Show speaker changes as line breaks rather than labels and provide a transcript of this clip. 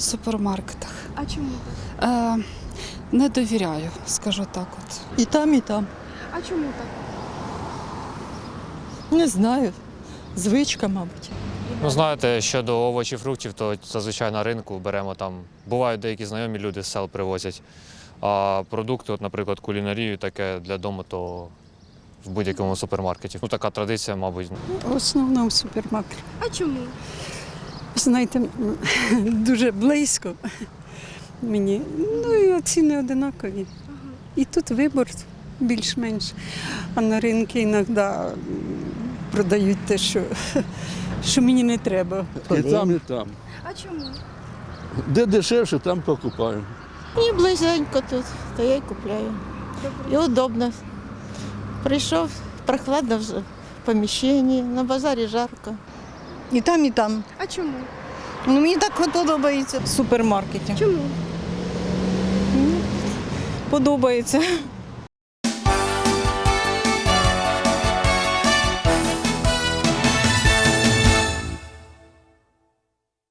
В супермаркетах.
А чому так?
Не довіряю, скажу так от.
І там, і там.
А чому так?
Не знаю. Звичка, мабуть.
Ну, знаєте, щодо овочів, фруктів, то зазвичай на ринку беремо там. Бувають деякі знайомі люди з сел привозять. А продукти, от, наприклад, кулінарію, таке для дому, то в будь-якому супермаркеті. Ну, така традиція, мабуть.
В основному супермаркет.
А чому?
Знаєте, дуже близько мені. Ну і ціни одинакові. І тут вибір більш-менш. А на ринку іноді продають те, що мені не треба.
І там, і там.
А чому?
Де дешевше, там покупаємо.
Мені близенько тут, то я й купляю. І удобно. Прийшов, прохладно в поміщенні, на базарі жарко.
І там, і там.
А чому?
Ну, мені так подобається в супермаркеті.
Чому?
Подобається.